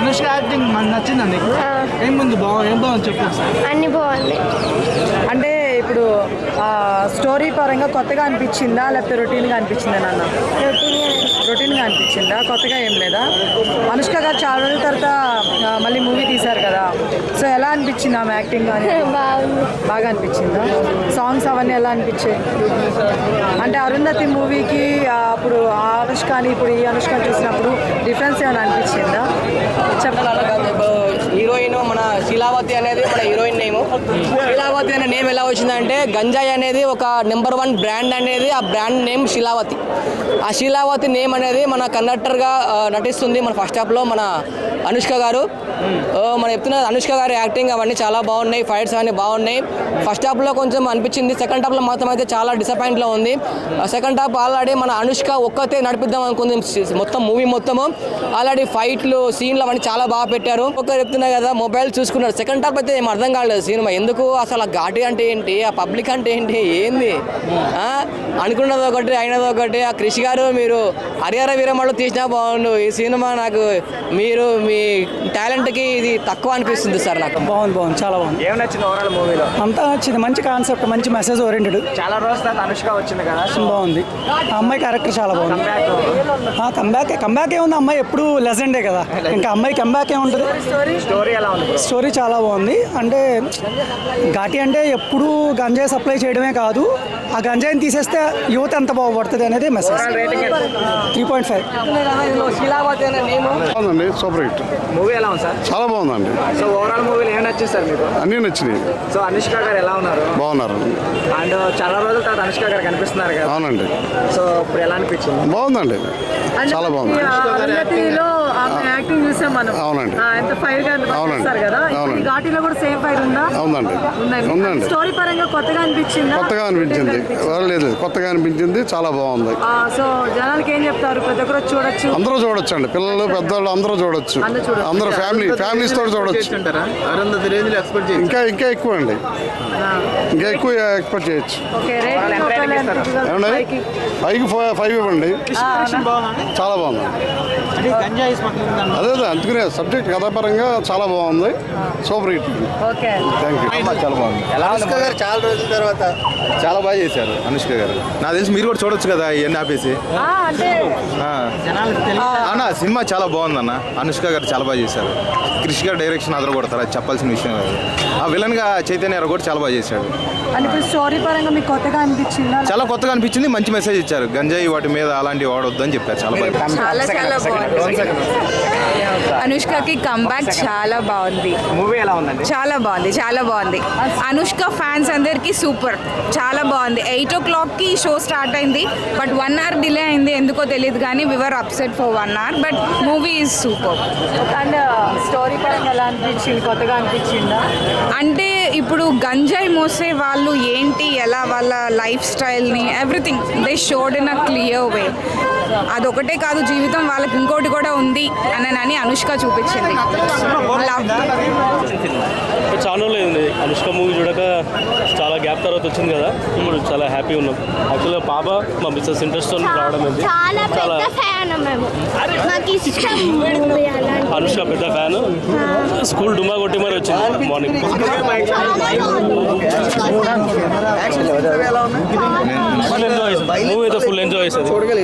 Anushka acting మనకు నచ్చిందా నీకు? ఏం బాగుంది చెప్పు. అన్ని బాగుంది. అంటే ఇప్పుడు స్టోరీ పరంగా కొత్తగా అనిపించిందా లేకపోతే రొటీన్గా అనిపించిందా నాన్న? రొటీన్గా అనిపించిందా, కొత్తగా ఏం లేదా? అనుష్క గారు చాలా రోజుల తర్వాత మళ్ళీ మూవీ తీశారు కదా, సో ఎలా అనిపించింది ఆమె యాక్టింగ్? కానీ బాగా అనిపించిందా? సాంగ్స్ అవన్నీ ఎలా అనిపించాయి? అంటే అరుంధతి మూవీకి అప్పుడు ఆ అనుష్కని ఇప్పుడు ఈ అనుష్కని చూసినప్పుడు డిఫరెన్స్ ఏమైనా అనిపించిందా? చెప్పాలి. హీరోయిన్ మన శీలావతి అనేది మన హీరోయిన్ నేమ్. శీలావతి అనే నేమ్ ఎలా వచ్చిందంటే గంజాయి అనేది ఒక నెంబర్ 1 బ్రాండ్ అనేది, ఆ బ్రాండ్ నేమ్ శీలావతి. ఆ శీలావతి నేమ్ అనేది మన కండక్టర్గా నటిస్తుంది మన ఫస్ట్ హాఫ్లో మన అనుష్క గారు. మనం చెప్తున్న అనుష్క గారి యాక్టింగ్ అవన్నీ చాలా బాగున్నాయి, ఫైట్స్ అవన్నీ బాగున్నాయి. ఫస్ట్ హాఫ్లో కొంచెం అనిపించింది, సెకండ్ హాఫ్లో మాత్రం అయితే చాలా డిసప్పాయింట్లో ఉంది. సెకండ్ హాఫ్ ఆల్రెడీ మన అనుష్క ఒక్కతే నడిపిద్దాం అనుకుంది మొత్తం మూవీ మొత్తము. ఆల్రెడీ ఫైట్లు సీన్లు అవన్నీ చాలా బాగా పెట్టారు. ఒకరు చెప్తున్నా కదా మొబైల్ చూసుకున్నారు. సెకండ్ హాఫ్ అయితే ఏం అర్థం కాలేదు సినిమా ఎందుకు అసలు. ఆ ఘాటి అంటే ఏంటి, ఆ పబ్లిక్ అంటే ఏంటి, ఏంది అనుకున్నది ఒకటి అయినది ఒకటి. ఆ క్రిష్ గారు మీరు హరిహర వీరమ్మలో తీసినా బాగుండు. ఈ సినిమా నాకు మీరు మీ టాలెంట్కి ఇది తక్కువ అనిపిస్తుంది సార్. నాకు బాగుంది, చాలా బాగుంది. ఏం నచ్చింది ఓవరాల్ మూవీలో? అంతా నచ్చింది, మంచి కాన్సెప్ట్, మంచి మెసేజ్ ఓరియంటెడ్. చాలా రోజుల తర్వాత అనుష్క వచ్చింది కదా, బాగుంది. ఆ అమ్మాయి క్యారెక్టర్ చాలా బాగుంది. కంబ్యాక్ ఏముంది, అమ్మాయి ఎప్పుడు లెజెండే కదా, ఇంకా అమ్మాయి కంబ్యాక్ ఏముంటుంది. స్టోరీ ఎలా ఉంది? స్టోరీ చాలా బాగుంది. అంటే ఘాటి అంటే ఎప్పుడు గంజాయి సప్లై చేయడమే కాదు, ఆ గంజాయిని తీసేస్తే యువత ఎంత బాగుపడుతుంది అనేది మెసేజ్. 3.5. శీలావతి అనే నేమ్ బాగుందండి, సూపర్ హిట్. మూవీ ఎలా ఉంది సార్? చాలా బాగుందండి. సో ఓవరాల్ మూవీలో ఏం నచ్చింది సార్ మీకు? అన్నీ నచ్చినాయి. సో అనుష్క గారు ఎలా ఉన్నారు? బాగున్నారు. అండ్ చాలా రోజుల తర్వాత అనుష్క గారు కనిపిస్తున్నారు కదా. అవునండి. సో ఇప్పుడు ఎలా అనిపించింది? బాగుందండి, చాలా బాగుంది. యాక్టింగ్ చూసాం మనం. అవునండి. ఎంత ఫైర్ గా అవునండి. కదా, అవునండి. ఘాటీలో కూడా సేమ్ ఫైర్ ఉందా? అవునండి, ఉందండి. స్టోరీ పరంగా కొత్తగా అనిపించింది. కొత్తగా అనిపించింది, లేదు కొత్తగా అనిపించింది, చాలా బాగుంది. సో జనాలకి ఏం చెప్తారు? ప్రతి ఒక్కరు చూడొచ్చు, అందరూ చూడొచ్చు అండి, పిల్లలు పెద్దవాళ్ళు అందరూ చూడొచ్చు. అందరూ ఫ్యామిలీస్ తోటి చూడొచ్చు. ఇంకా ఎక్కువ అండి, ఇంకా ఎక్కువ ఎక్స్పెక్ట్ చేయొచ్చు. ఏమండి 5 ఇవ్వండి, చాలా బాగుంది. అదే అందుకునే సబ్జెక్ట్ కథాపరంగా చాలా బాగుంది, సూపర్ హిట్. Thank you. చాలా బాగుంది. అనుష్క గారు చాలా రోజుల తర్వాత చాలా బాగా చేశారు. అనుష్క గారు నాకు తెలిసి మీరు కూడా చూడొచ్చు కదా ఇవన్నీ ఆపేసి. అన్న సినిమా చాలా బాగుందన్న, అనుష్క గారు చాలా బాగా చేశారు. క్రిష్ గారు డైరెక్షన్ అదర కొడతారు, అది చెప్పాల్సిన విషయం కాదు. ఆ విలన్ గా చైతన్య గారు కూడా చాలా బాగా చేశాడు. స్టోరీ పరంగా మీకు కొత్తగా అనిపించిందా? చాలా కొత్తగా అనిపించింది, మంచి మెసేజ్ ఇచ్చారు. గంజాయి వాటి మీద అలాంటివి వాడొద్దు అని చెప్పారు. చాలా బాగా అనుష్కకి కంబ్యాక్ చాలా బాగుంది. మూవీ ఎలా ఉందండి? చాలా బాగుంది. అనుష్క ఫ్యాన్స్ అందరికి సూపర్, చాలా బాగుంది. 8 o'clockకి షో స్టార్ట్ అయింది, బట్ 1 hour డిలే అయింది, ఎందుకో తెలియదు కానీ viewer upset for 1 hour, but movie is super. And story పరంగా ఎలా అనిపించింది? కొత్తగా అనిపించిందా? అంటే ఇప్పుడు గంజాయి మోసే వాళ్ళు ఏంటి, ఎలా వాళ్ళ లైఫ్ స్టైల్ని everything they showed in a clear way. అదొకటే కాదు, జీవితం వాళ్ళకి ఇంకోటి కూడా ఉంది అని అనుష్క చూపించింది. చాలా లేదు అనుష్క మూవీ చూడక, చాలా గ్యాప్ తర్వాత వచ్చింది కదా, ఇప్పుడు చాలా హ్యాపీ ఉన్నాం. యాక్చువల్గా పాప మా బిజినెస్ ఇంట్రెస్ట్ రావడం ఏంటి, చాలా అనుష్క పెద్ద ఫ్యాన్. స్కూల్ డుమా కొట్టి మరి వచ్చింది మార్నింగ్. మూవీ అయితే ఫుల్ ఎంజాయ్ చేసేది.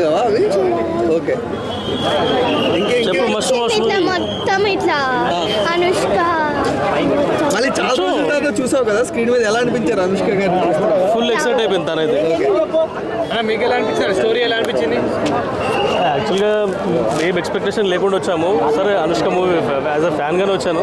చెప్పు మస్తు మొత్తం ఇట్లా అనుష్క మళ్ళీ చాలా రోజుల చూసావు కదా స్క్రీన్ మీద, ఎలా అనిపించారు అనుష్క గారు? ఫుల్ ఎక్సైట్ అయిపోయింది తనైతే. మీకు ఎలా అనిపించారు? స్టోరీ ఎలా అనిపించింది? యాక్చువల్గా ఏం ఎక్స్పెక్టేషన్ లేకుండా వచ్చాము. సరే అనుష్క మూవీ యాజ్ అ ఫ్యాన్గానే వచ్చాను.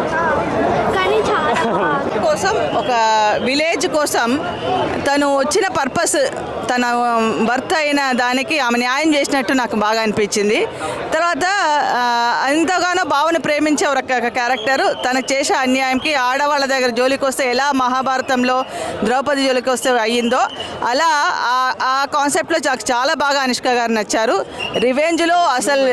కోసం ఒక విలేజ్ కోసం తను వచ్చిన పర్పస్, తన భర్త అయిన దానికి ఆమె న్యాయం చేసినట్టు నాకు బాగా అనిపించింది. తర్వాత ఎంతగానో భావన ప్రేమించే ఒక క్యారెక్టరు తనకు చేసే అన్యాయంకి ఆడవాళ్ళ దగ్గర జోలికి వస్తే ఎలా మహాభారతంలో ద్రౌపది జోలికి వస్తే అయ్యిందో అలా ఆ కాన్సెప్ట్లో నాకు చాలా బాగా అనుష్క గారు నచ్చారు. రివెంజ్లో అసలు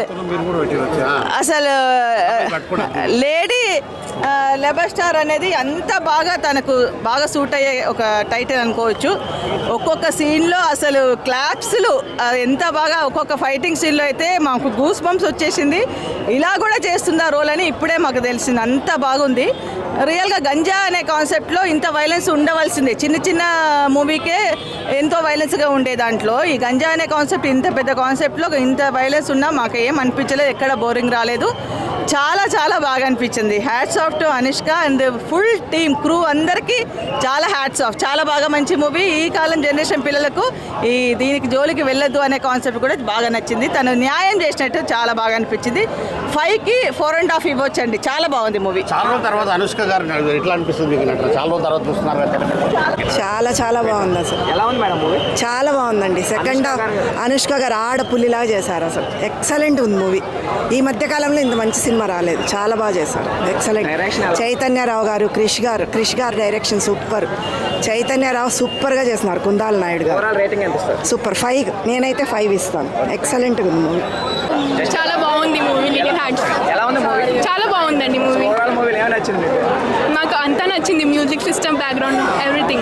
లేడీ లెబర్ స్టార్ అనేది అంత బాగా తనకు బాగా సూట్ అయ్యే ఒక టైటిల్ అనుకోవచ్చు. ఒక్కొక్క సీన్లో అసలు క్లాప్స్లు ఎంత బాగా ఒక్కొక్క ఫైటింగ్ సీన్లో అయితే మాకు గూస్ బంప్స్ వచ్చేసింది. ఇలా కూడా చేస్తుందా రోల్ అని ఇప్పుడే మాకు తెలిసింది. అంత బాగుంది. రియల్గా గంజా అనే కాన్సెప్ట్లో ఇంత వైలెన్స్ ఉండవలసిందే. చిన్న చిన్న మూవీకే ఎంతో వైలెన్స్గా ఉండే దాంట్లో ఈ గంజా అనే కాన్సెప్ట్ ఇంత పెద్ద కాన్సెప్ట్లో ఇంత వైలెన్స్ ఉన్నా మాకు ఏం అనిపించలేదు. ఎక్కడ బోరింగ్ రాలేదు. చాలా చాలా బాగా అనిపించింది. Hats off to Anushka and full team crew అందరికీ చాలా హ్యాట్స్ ఆఫ్. చాలా బాగా మంచి మూవీ. ఈ కాలం జనరేషన్ పిల్లలకు దీనికి జోలికి వెళ్ళొద్దు అనే కాన్సెప్ట్ కూడా బాగా నచ్చింది. తను న్యాయం చేసినట్టు చాలా బాగా అనిపించింది. 5కి 4.5 ఇవ్వచ్చండి. చాలా బాగుంది మూవీ. చాలా రోజుల తర్వాత అనుష్క గారు ఎట్లా అనిపిస్తుంది మీకు నటన? చాలా రోజుల తర్వాత చూస్తున్నారు కదా. చాలా చాలా బాగుంది అసలు. ఎలా ఉంది మేడం మూవీ? చాలా బాగుందండి. సెకండ్ హాఫ్ అనుష్క గారు ఆడపుల్లిలాగా చేశారు అసలు. ఎక్సలెంట్ ఉంది మూవీ. ఈ మధ్యకాలంలో ఇంత మంచి సినిమా రాలేదు. చాలా బాగా చేశారు. ఎక్సలెంట్. చైతన్యరావు గారు, క్రిష్ గారు డైరెక్షన్ సూపర్. చైతన్యరావు సూపర్గా చేస్తున్నారు. కుందాల నాయుడు గారు రేటింగ్ ఎంత ఇస్తారు? సూపర్. 5 నేనైతే 5 ఇస్తాను. ఎక్సలెంట్గా ఉంది మూవీ. చాలా బాగుంది మూవీ. ఎలా ఉంది మూవీ? చాలా బాగుందండి మూవీ. ఓవరాల్ మూవీలో ఏమైనా నచ్చింది మీకు? నాకు అంతా నచ్చింది. Music system, background, everything.